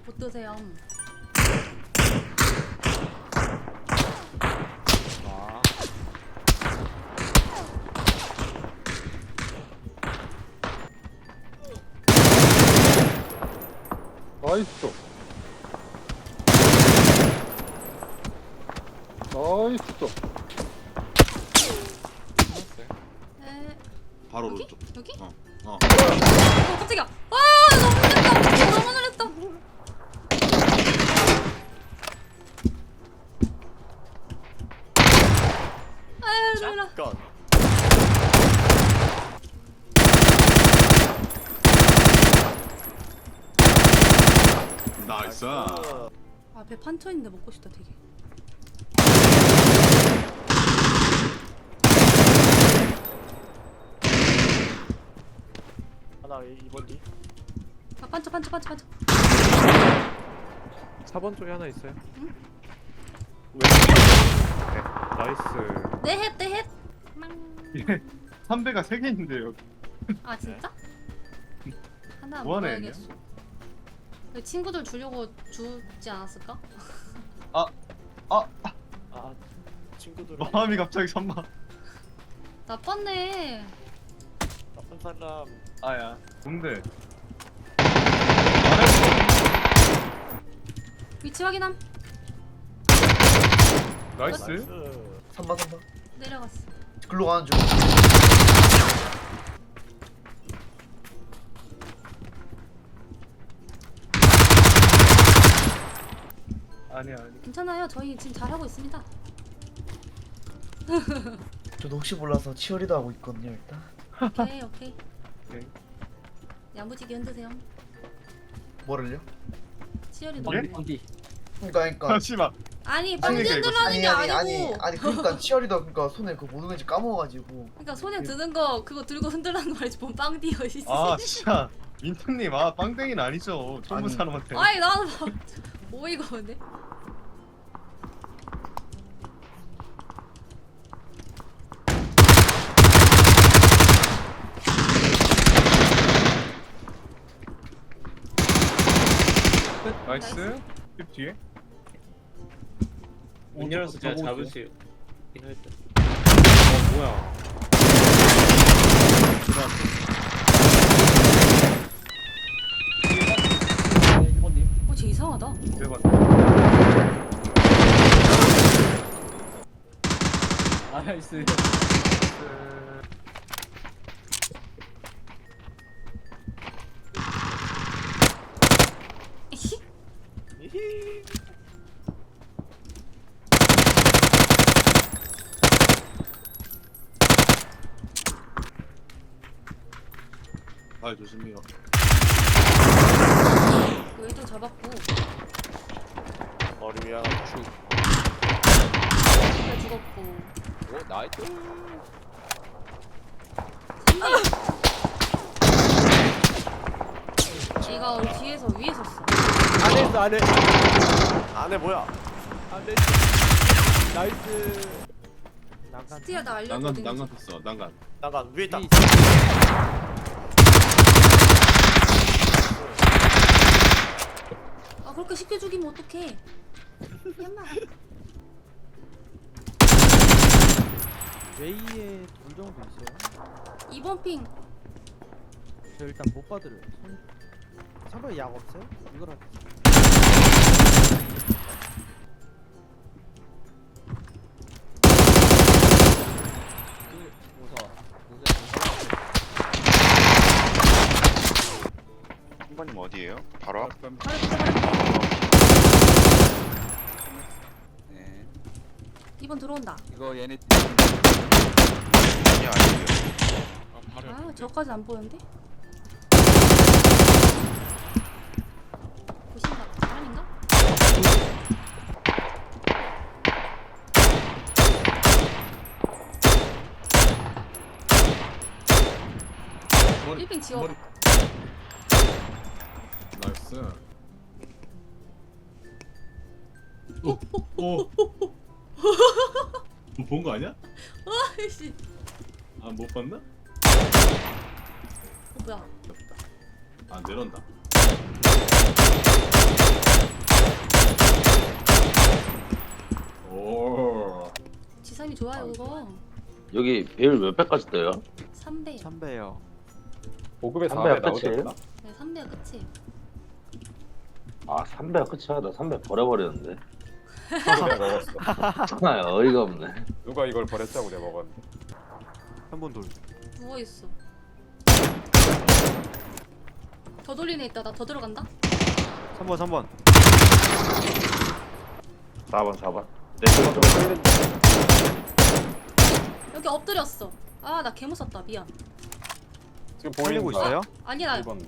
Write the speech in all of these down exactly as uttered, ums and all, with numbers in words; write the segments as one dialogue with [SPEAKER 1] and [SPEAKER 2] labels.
[SPEAKER 1] 못 드세요.
[SPEAKER 2] 아.
[SPEAKER 3] 나이스. 나이스.
[SPEAKER 1] 에
[SPEAKER 2] 바로
[SPEAKER 1] 여기?
[SPEAKER 2] 오른쪽.
[SPEAKER 1] 여기?
[SPEAKER 2] 어. 어.
[SPEAKER 1] 어 깜짝이야. 와 너무 놀랬다. 너무 놀랬다. 아유 놀라.
[SPEAKER 4] 건.
[SPEAKER 2] 나이스.
[SPEAKER 1] 아 배 판쳐 있는데 먹고 싶다 되게.
[SPEAKER 4] 하나 이번 뒤.
[SPEAKER 1] 아 판쳐 판쳐 판쳐 판쳐.
[SPEAKER 5] 사 번 쪽에 하나 있어요.
[SPEAKER 1] 응?
[SPEAKER 5] 왜? 네, 나이스.
[SPEAKER 1] 내헷 내헷.
[SPEAKER 3] 예. 삼배가 세 개 있는데요.
[SPEAKER 1] 아 진짜? 하나
[SPEAKER 3] 뭐 하나
[SPEAKER 1] 먹어야겠어. 친구들 주려고 주지 않았을까?
[SPEAKER 3] 아, 아,
[SPEAKER 4] 아 친구들.
[SPEAKER 3] 마음이 갑자기 선마.
[SPEAKER 1] 나빴네.
[SPEAKER 4] 나쁜 사람.
[SPEAKER 3] 아야. 뭔데?
[SPEAKER 1] 위치 확인함.
[SPEAKER 3] 나이스.
[SPEAKER 6] 삼바 삼바
[SPEAKER 1] 내려갔어.
[SPEAKER 6] 글로 가는 중.
[SPEAKER 3] 아니야, 아니.
[SPEAKER 1] 괜찮아요. 저희 지금 잘하고 있습니다.
[SPEAKER 6] 저도 혹시 몰라서 치어리더 하고 있거든요 일단.
[SPEAKER 1] 오케이 오케이.
[SPEAKER 3] 오케이.
[SPEAKER 1] 야무지게 흔드세요.
[SPEAKER 6] 뭐를요?
[SPEAKER 1] 치열이도.
[SPEAKER 3] 예?
[SPEAKER 5] 어디?
[SPEAKER 6] 그러니까 그러니까
[SPEAKER 3] 잠시만.
[SPEAKER 1] 아니
[SPEAKER 3] 아니,
[SPEAKER 1] 빵지
[SPEAKER 3] 이거
[SPEAKER 1] 흔들라는
[SPEAKER 6] 아니
[SPEAKER 1] 게
[SPEAKER 6] 아니
[SPEAKER 1] 아니고.
[SPEAKER 6] 아니 아니 그러니까 치어리더 그러니까 손에 그 모든 건지 까먹어가지고.
[SPEAKER 1] 그러니까 손에 드는 거 그거 들고 흔들라는 말이지 뭔 빵 뛰어 있지.
[SPEAKER 3] 아, 진짜. 민트님, 아, 빵땡이는 아니죠. 처음 본
[SPEAKER 6] 아니.
[SPEAKER 3] 사람한테.
[SPEAKER 1] 아니 나는 막 오이가 없네.
[SPEAKER 3] 나이스. 힙 뒤에.
[SPEAKER 5] 문 열어서 제가
[SPEAKER 3] 보고
[SPEAKER 5] 잡을
[SPEAKER 3] 있어요.
[SPEAKER 5] 수 있긴 할 듯. 어 뭐야?
[SPEAKER 1] 어, 쟤 이상하다.
[SPEAKER 3] 대박.
[SPEAKER 5] 아 나이스.
[SPEAKER 1] 에히?
[SPEAKER 4] 이히.
[SPEAKER 2] 발 조심해요.
[SPEAKER 1] 얘도 잡았고.
[SPEAKER 4] 머리 위에 축.
[SPEAKER 1] 얘 죽었고.
[SPEAKER 2] 오 나이스.
[SPEAKER 1] 얘가 우리 뒤에서 위에 섰어.
[SPEAKER 4] 안에 있어 안에. 안에 뭐야? 안에 나이스. 난간.
[SPEAKER 1] 스티야 나
[SPEAKER 2] 난간
[SPEAKER 1] 알려줬거든.
[SPEAKER 2] 난간 됐어. 난간.
[SPEAKER 4] 난간 위에 있다.
[SPEAKER 1] 아 그렇게 쉽게 죽이면 어떡해. 엄마.
[SPEAKER 7] 웨이에 돌 정도 있어요?
[SPEAKER 1] 이번 핑.
[SPEAKER 7] 저 일단 못 받으려요. 손... 선배 약 없어요? 이걸 할게요.
[SPEAKER 8] 한번님 어디에요? 바로 앞?
[SPEAKER 1] 바로 붙여 바로 붙여.
[SPEAKER 8] 네.
[SPEAKER 1] 이번 들어온다.
[SPEAKER 8] 이거 얘네 아니 아니에요.
[SPEAKER 1] 아 저까지 안 보였는데? 보신가? 사람인가?
[SPEAKER 2] 머리.
[SPEAKER 1] 일핑 지워.
[SPEAKER 2] 머리. 나이스. 오. 오. 본 거 아니야?
[SPEAKER 1] 아이씨.
[SPEAKER 2] 아 못 봤나?
[SPEAKER 1] 어, 뭐야?
[SPEAKER 2] 아 내려온다.
[SPEAKER 1] 좋아요 그거.
[SPEAKER 9] 여기 배율 몇 배까지 떠요?
[SPEAKER 1] 삼 배요.
[SPEAKER 7] 삼 배요.
[SPEAKER 2] 보급에
[SPEAKER 9] 삼 배가
[SPEAKER 2] 사 배 나오지
[SPEAKER 9] 끝이에요?
[SPEAKER 2] 않나?
[SPEAKER 1] 네, 삼 배가 끝이에요.
[SPEAKER 9] 아 삼 배가 끝이야. 나 삼 배 버려버렸는데.
[SPEAKER 2] 내가 먹었어.
[SPEAKER 9] 아 어이가 없네.
[SPEAKER 2] 누가 이걸 버렸자고 내가 먹었는데.
[SPEAKER 7] 한 번 돌.
[SPEAKER 1] 누워 있어. 더 돌리네 있다. 나 더 들어간다.
[SPEAKER 7] 삼 번 삼 번.
[SPEAKER 9] 사 번 사 번. 내 쪽은 좀 끌린다.
[SPEAKER 1] 여기 엎드렸어. 아, 나 개무섭다. 미안.
[SPEAKER 2] 지금
[SPEAKER 7] 살리고
[SPEAKER 2] 보이는 거야?
[SPEAKER 7] 있어요?
[SPEAKER 1] 아니 나
[SPEAKER 2] 일 번.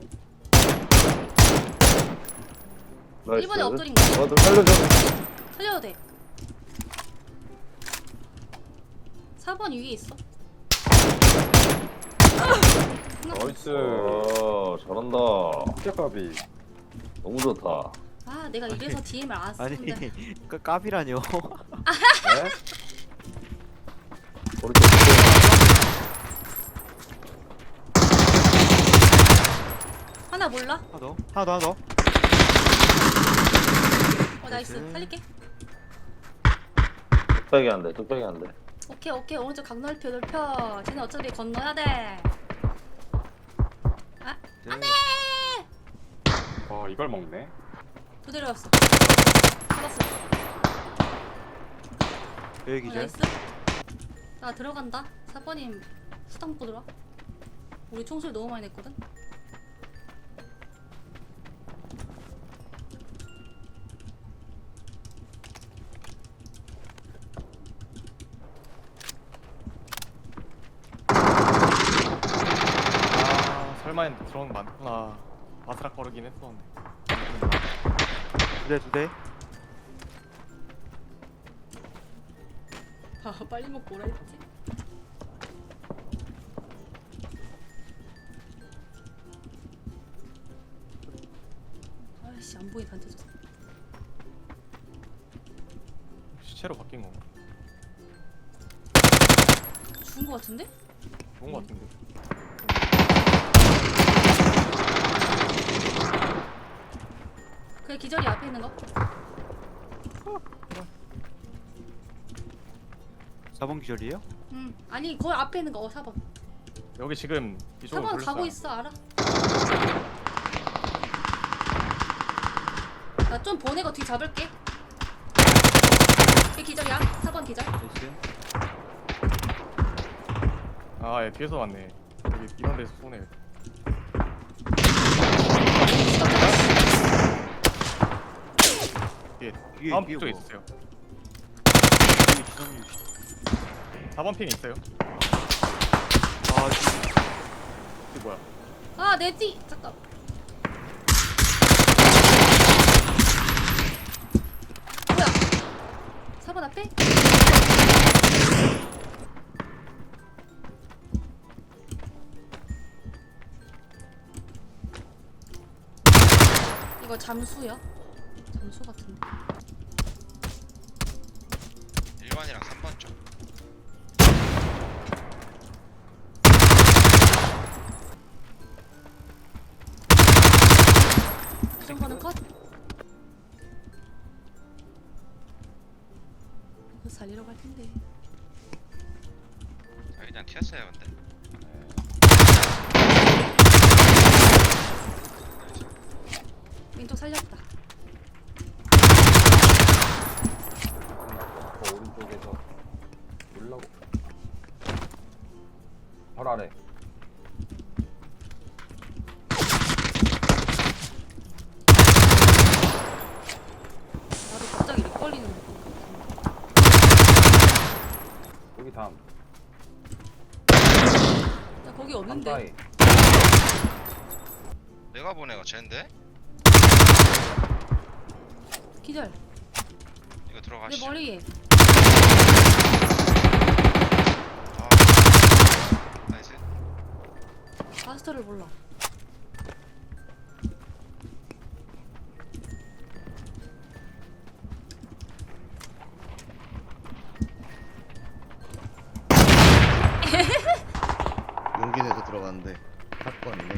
[SPEAKER 9] 나이스.
[SPEAKER 1] 일 번에 엎드린 거.
[SPEAKER 9] 어, 좀 살려줘.
[SPEAKER 1] 살려도 돼. 사 번 위에 있어.
[SPEAKER 2] 나이스.
[SPEAKER 9] 어 잘한다.
[SPEAKER 2] 깨값이.
[SPEAKER 9] 너무 좋다.
[SPEAKER 1] 아, 내가 이래서 디엠을 안
[SPEAKER 7] 아니
[SPEAKER 1] 쓰는데.
[SPEAKER 7] 그 까비라뇨.
[SPEAKER 2] 네?
[SPEAKER 9] 오른쪽.
[SPEAKER 1] 하나 몰라?
[SPEAKER 7] 하나 더. 하나 더 하나 더.
[SPEAKER 1] 어, 나이스.
[SPEAKER 7] 나이스.
[SPEAKER 1] 살릴게.
[SPEAKER 9] 뚝배기 안 돼. 뚝배기 안 돼.
[SPEAKER 1] 오케이, 오케이. 오른쪽 각 넓혀, 넓혀. 쟤네 어차피 건너야 돼.
[SPEAKER 7] 안돼.
[SPEAKER 2] 와 이걸 먹네.
[SPEAKER 1] 두 대로였어. 잡았어.
[SPEAKER 7] 여기
[SPEAKER 1] 어,
[SPEAKER 7] 기절.
[SPEAKER 1] 나이스. 나 들어간다. 사 번님 수당 먹고 들어와. 우리 총소리 너무 많이 냈거든.
[SPEAKER 3] 아 설마 했는데 드론 많구나. 바스락거리긴 했었는데.
[SPEAKER 7] 두 대, 두 대.
[SPEAKER 1] 아, 빨리 먹고 오라 했지. 아이씨, 안 보이 단체졌어.
[SPEAKER 3] 시체로 바뀐 건가?
[SPEAKER 1] 죽은 거 같은데?
[SPEAKER 3] 좋은 거 같은데.
[SPEAKER 1] 그래, 기절이 앞에 있는 거.
[SPEAKER 7] 사 번 기절이에요?
[SPEAKER 1] 응. 아니, 거기 앞에 있는 거. 어, 사 번.
[SPEAKER 3] 여기 지금 이쪽으로
[SPEAKER 1] 사 번
[SPEAKER 3] 돌렸어요.
[SPEAKER 1] 가고 있어, 알아? 나 좀 보내고 뒤 잡을게. 걔 기절이야. 사 번 기절.
[SPEAKER 7] 나이스.
[SPEAKER 3] 아, 얘 뒤에서 왔네. 여기 이런 데서 쏘네. 뒤에
[SPEAKER 7] 뒤에
[SPEAKER 3] 다음
[SPEAKER 7] 뒤에
[SPEAKER 3] 쪽에
[SPEAKER 7] 뭐.
[SPEAKER 3] 있어요.
[SPEAKER 7] 뒤에 기상류.
[SPEAKER 3] 사 번 핑 있어요.
[SPEAKER 7] 아 지금
[SPEAKER 3] 이게 뭐야?
[SPEAKER 1] 아, 내 뒤. 잠깐. 뭐야? 사 번 앞에? 이거 잠수야? 잠수 같은데.
[SPEAKER 8] 일 번이랑 삼 번 쪽.
[SPEAKER 1] 이런 거는 컷? 이거 살리러 갈 텐데.
[SPEAKER 8] 아, 그냥 튀었어요 근데.
[SPEAKER 1] 왼쪽 살렸다.
[SPEAKER 2] 저 오른쪽에서 올라고. 바로 아래.
[SPEAKER 1] 나도 갑자기 렉 걸리는 거.
[SPEAKER 2] 여기 다음.
[SPEAKER 1] 나 거기 없는데.
[SPEAKER 2] 한가위.
[SPEAKER 8] 내가 보내가 쟤인데?
[SPEAKER 1] 기절.
[SPEAKER 8] 이거
[SPEAKER 1] 내
[SPEAKER 8] 들어가시죠.
[SPEAKER 1] 머리에.
[SPEAKER 8] 아, 나이스.
[SPEAKER 1] 마스터를 몰라.
[SPEAKER 10] 용기 내서 들어갔는데 사건이네.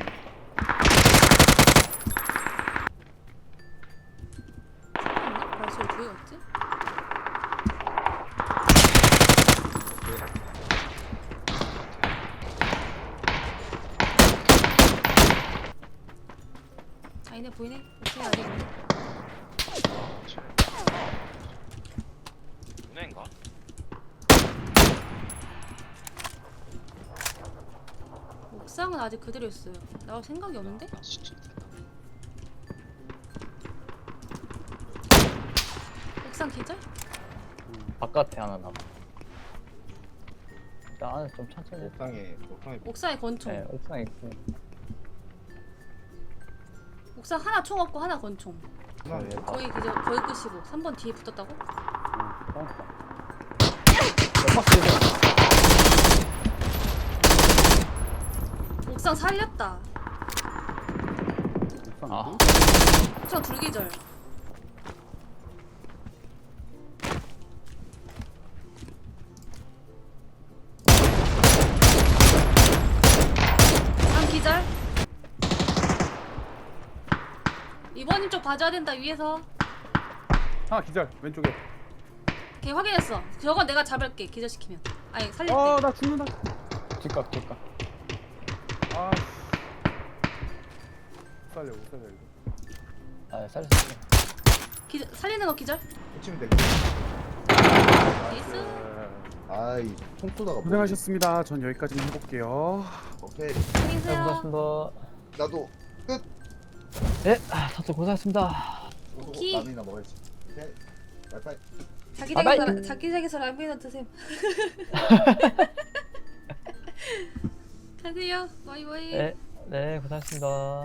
[SPEAKER 1] 발소리 두 개 같지? 보이네? 옥상에 아직 있네.
[SPEAKER 8] 은행가?
[SPEAKER 1] 옥상은 아직 그대로 있어요. 나올 생각이 없는데?
[SPEAKER 8] 아 진짜 됐다.
[SPEAKER 1] 옥상 기절?
[SPEAKER 5] 바깥에 하나 남아. 일단 안에서 좀 천천히.
[SPEAKER 3] 옥상에 옥상에
[SPEAKER 1] 옥상에 권총.
[SPEAKER 5] 네, 옥상에 있고.
[SPEAKER 1] 옥상 하나 총 없고 하나 권총.
[SPEAKER 3] 옥상에
[SPEAKER 1] 거의 기절, 거의 끝이고. 삼 번 뒤에 붙었다고? 옥상 살렸다.
[SPEAKER 5] 아,
[SPEAKER 1] 옥상 둘 기절. 삼 기절. 이번님 쪽 봐줘야 된다 위에서.
[SPEAKER 3] 하나 기절 왼쪽에.
[SPEAKER 1] 걔 확인했어. 저건 내가 잡을게 기절시키면. 아니 살릴게.
[SPEAKER 3] 어나 죽는다.
[SPEAKER 5] 뒷각, 뒷각.
[SPEAKER 3] 아 살려 못 살려 이거.
[SPEAKER 5] 아, 살수 있어.
[SPEAKER 1] 기절, 살리는 거 기절.
[SPEAKER 6] 붙이면 돼.
[SPEAKER 1] 나이스.
[SPEAKER 6] 아이 총 쏘다가 뭐-
[SPEAKER 3] 고생하셨습니다. 전 여기까지 해볼게요.
[SPEAKER 6] 오케이.
[SPEAKER 1] 안녕히
[SPEAKER 5] 네,
[SPEAKER 1] 계세요.
[SPEAKER 5] 고생하셨습니다.
[SPEAKER 6] 나도
[SPEAKER 5] 네, 아, 다들 고생하셨습니다.
[SPEAKER 1] 오케이.
[SPEAKER 6] 라면이나 먹어야지. 오케이. 바이바이.
[SPEAKER 1] 자기장에서 라- 자기장에서 라면이나 드세요. 가세요. 바이바이.
[SPEAKER 5] 네, 네, 고생하셨습니다.